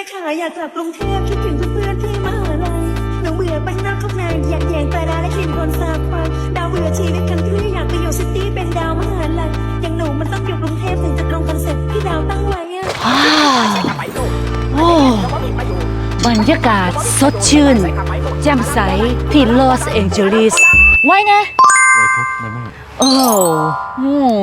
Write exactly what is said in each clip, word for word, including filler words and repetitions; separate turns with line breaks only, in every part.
ค่ะอยากกลับกรุงเทพคิดถึงเพื่อนๆที่มหาลัยหนูเบื่อบ้านนอกข้างในอยากแยงตาดาและกลิ่นคนสาบไฟดาวเบื่อชีวิตคันทรีอยากไปอยู่ซิตี้เป็นดาวมหาลัยอย่างหนูมันต้องอยู่กรุงเทพถึงจะตรงคอนเซ็ปต์ที่ดาวตั้งไว้อะ
โอ้บรรยากาศสดชื่นแจ่มใสที่ลอสแองเจลิสไว้นะ
ไว้ครับแม่แม่
โอ้โห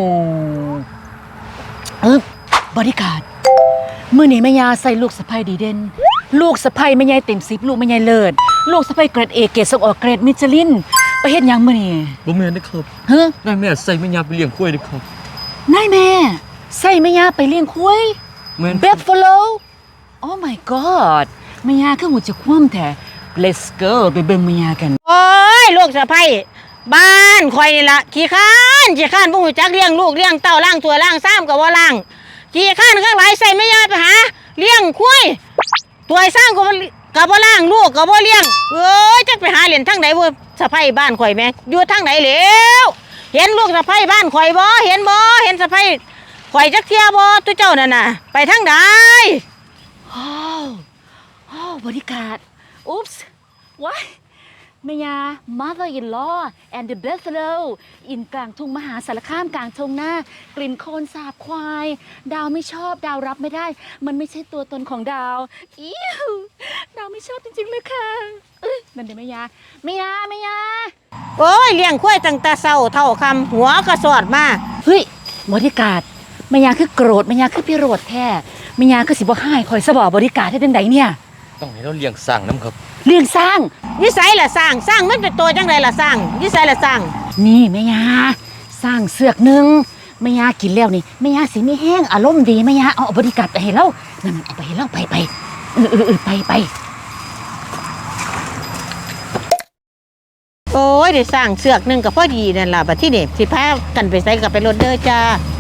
เออบริการมื้อนี้แม่ยาใส่ลูกสะใภ้ดีเด่นลูกสะใภ้แม่ยายเต็มสิบลูกแม่ยายเลิศลูกสะใภ้เกรดเอเกรดส่งออกเกรดมิชลินไปเฮ็ดหยังมื้อนี้
บ่แม่นนะครับ
เฮ้
นายแม่ใส่แม่ยาไปเลี้ยงกล้วยนะครับ
นายแม่ใส่แม่ยาไปเลี้ยงควาย
แม่น
Buffalo Oh my god แม่ยาคือหูจะคว่ำแท้ Let's go ไปเบิ่งแม่ยากัน
โอ้ยลูกสะใภ้บ้านข่อยนี่ล่ะขี้ข้านขี้ข้านบ่ฮู้จักเลี้ยงลูกเลี้ยงเต้าล้างถ้วยล้างซ้ำก็บ่ล้างขี้ข้านข้างหลายใส่แม่ยาไปหาเลี้ยงควายถ้วยซ้ำก็บ่ก็บ่ล้างลูกก็บ่เลี้ยงเอ้ยจักไปหาเล่นทางใดบ่สะใภ้บ้านข่อยแม่อยู่ทางไหนแล้วเห็นลูกสะใภ้บ้านข่อยบ่เห็นบ่เห็นสะใภ้ข่อยจักเที่ยบ่ตุเจ้านั่นน่ะไปทางใด
โอ้โอ้บริการอุ๊ปส์ว้ายแม่ยา mother in law and the buffalo อินกลางทุ่งมหาสารคามกลางทงหน้ากลิ่นโคลนสาบควายดาวไม่ชอบดาวรับไม่ได้มันไม่ใช่ตัวตนของดาวอิ้วดาวไม่ชอบจริงๆเลยค่ะเอ้ยนั่นเดี๋ยวแม่ยาแม่ยาแม่ยา
โอ้ยเลี้ยงควายตั้งแต่เช้าเท่าค่ำหัวก็สอดมา
เฮ้ยบริการแม่ยาคือโกรธแม่ยาคือพิโรธแท้แม่ยาคือสิบ่ให้คอยสบอบริการให้จังไดเนี่ย
ต้องให้เราเลี้ยงสร้างน้ำครับ
เลี้ยงสร้าง
นิสัยล่ะสร้างสร้างมันเป็นตัวจังไดล่ะสร้างนิสัยล่ะสร้าง
นี่แม่ยาสร้างเสือกหนึ่งแม่ยากินแล้วนี่แม่ยาสิไม่แห้งอารมณ์ดีแม่ยาเอาบริการไปให้เรานั่นเอาไปให้เราไปไปเออเออเออไปไป
โอ้ยได้สร้างเสือกหนึ่งก็พอดีนั่นล่ะบัดที่นี่สิพากันไปใส่กับไปรถเด้อจ้า